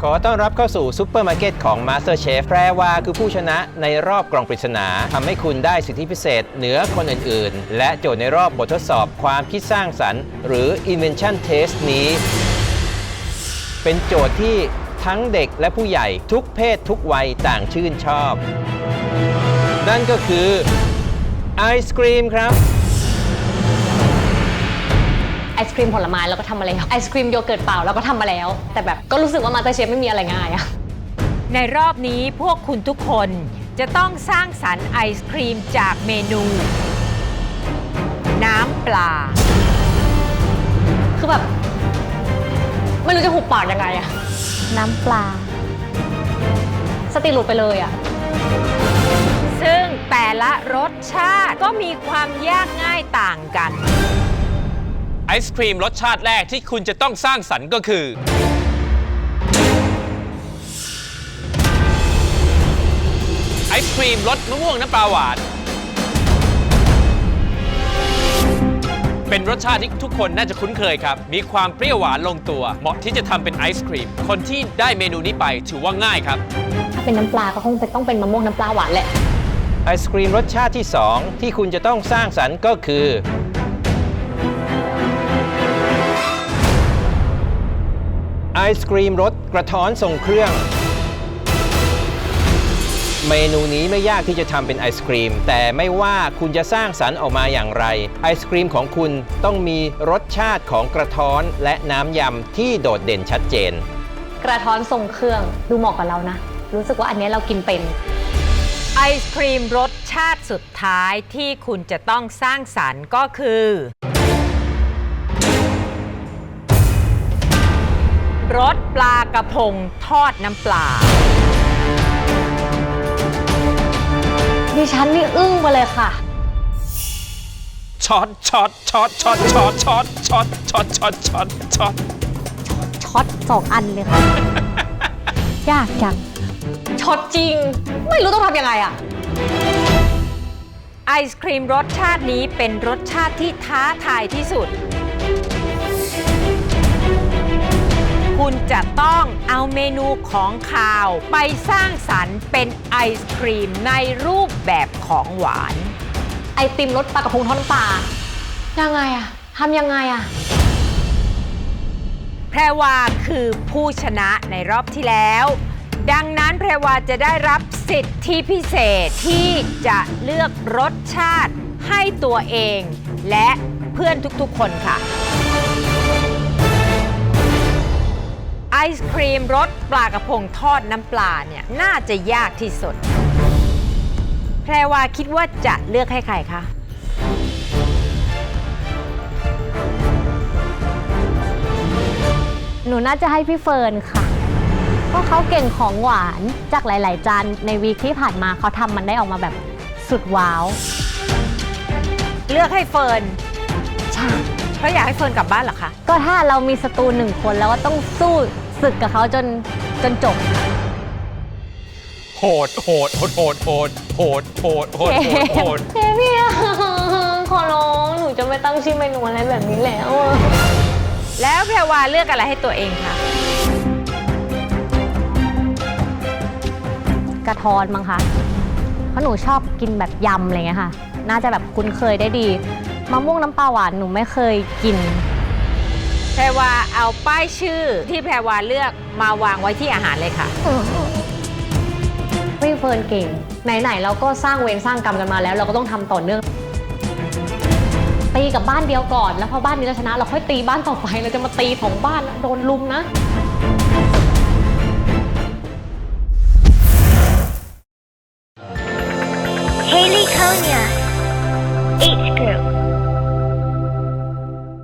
ขอต้อนรับเข้าสู่ซุปเปอร์มาร์เก็ตของ MasterChef แพรวาคือผู้ชนะในรอบกล่องปริศนาทำให้คุณได้สิทธิพิเศษเหนือคนอื่นๆ และโจทย์ในรอบบททดสอบความคิดสร้างสรรค์หรือ Invention Test นี้ เป็นโจทย์ที่ทั้งเด็กและผู้ใหญ่ทุกเพศทุกวัยต่างชื่นชอบ นั่นก็คือไอศกรีมครับไอศครีมผลไม้เราก็ทำมาแล้วไอศครีมโยเกิร์ตเปล่าเราก็ทำมาแล้วแต่แบบก็รู้สึกว่าMasterChefไม่มีอะไรง่ายอะในรอบนี้พวกคุณทุกคนจะต้องสร้างสรรค์ไอศครีมจากเมนู น้ำปลาคือแบบไม่รู้จะหุบปากยังไงอะน้ำปลาสติหลุดไปเลยอะซึ่งแต่ละรสชาติก็มีความยากง่ายต่างกันไอศครีมรสชาติแรกที่คุณจะต้องสร้างสรรค์ก็คือไอศครีมรสมะม่วงน้ำปลาหวานเป็นรสชาติที่ทุกคนน่าจะคุ้นเคยครับมีความเปรี้ยวหวานลงตัวเหมาะที่จะทำเป็นไอศครีมคนที่ได้เมนูนี้ไปถือว่าง่ายครับถ้าเป็นน้ำปลาก็คงจะต้องเป็นมะม่วงน้ำปลาหวานแหละไอศกรีมรสชาติที่ 2 ที่คุณจะต้องสร้างสรรค์ก็คือไอศกรีมรสกระท้อนทรงเครื่องเมนูนี้ไม่ยากที่จะทำเป็นไอศกรีมแต่ไม่ว่าคุณจะสร้างสรรค์ออกมาอย่างไรไอศกรีมของคุณต้องมีรสชาติของกระท้อนและน้ำยำที่โดดเด่นชัดเจนกระท้อนทรงเครื่องดูเหมาะกับเรานะรู้สึกว่าอันนี้เรากินเป็นไอศครีมรสชาติสุดท้ายที่คุณจะต้องสร้างสรรค์ก็คือรสปลากระพงทอดน้ำปลาดิฉันนี่อึ้งไปเลยค่ะช็อตช็อตช็อตช็อตช็อตช็อตช็อตช็อตช็อตช็อตช็อตช็อต2 อันเลยค่ะ ยากจังช็อตจริงไม่รู้ต้องทำยังไงอะไอศครีมรสชาตินี้เป็นรสชาติที่ท้าทายที่สุดคุณจะต้องเอาเมนูของคาวไปสร้างสรรค์เป็นไอศครีมในรูปแบบของหวานไอติมรสปลากระพงทอดน้ำปลายังไงอะทำยังไงอะแพรวาคือผู้ชนะในรอบที่แล้วดังนั้นแพรวาจะได้รับสิทธิพิเศษที่จะเลือกรสชาติให้ตัวเองและเพื่อนทุกๆคนค่ะไอศครีมรสปลากระพงทอดน้ำปลาเนี่ยน่าจะยากที่สุดแพรวาคิดว่าจะเลือกให้ใครคะหนูน่าจะให้พี่เฟิร์นค่ะเพราะเขาเก่งของหวานจากหลายๆจานในวีคที่ผ่านมาเขาทำมันได้ออกมาแบบสุดว้าวเลือกให้เฟิร์นใช่เพราะอยากให้เฟิร์นกลับบ้านเหรอคะก็ถ้าเรามีศัตรู1 คนแล้วก็ต้องสู้ศึกกับเขาจนจบโหดโหดโหดโหดโหดโหดโหดโหดโหดพี่ขอร้องหนูจะไม่ตั้งชื่อเมนูอะไรแบบนี้แล้วแล้วแพรวาเลือกอะไรให้ตัวเองคะกระท้อนมั้งคะเพราะหนูชอบกินแบบยำอะไรเงี้ยค่ะน่าจะแบบคุ้นเคยได้ดีมะม่วงน้ำปลาหวานหนูไม่เคยกินแพรวาเอาป้ายชื่อที่แพรวาเลือกมาวางไว้ที่อาหารเลยค่ะพี่เฟิร์นเก่งไหนๆเราก็สร้างเวรสร้างกรรมกันมาแล้วเราก็ต้องทำต่อเนื่องตีกับบ้านเดียวก่อนแล้วพอบ้านนี้เราชนะเราค่อยตีบ้านต่อไปเราจะมาตี2 บ้านโดนลุมนะ Haley Konya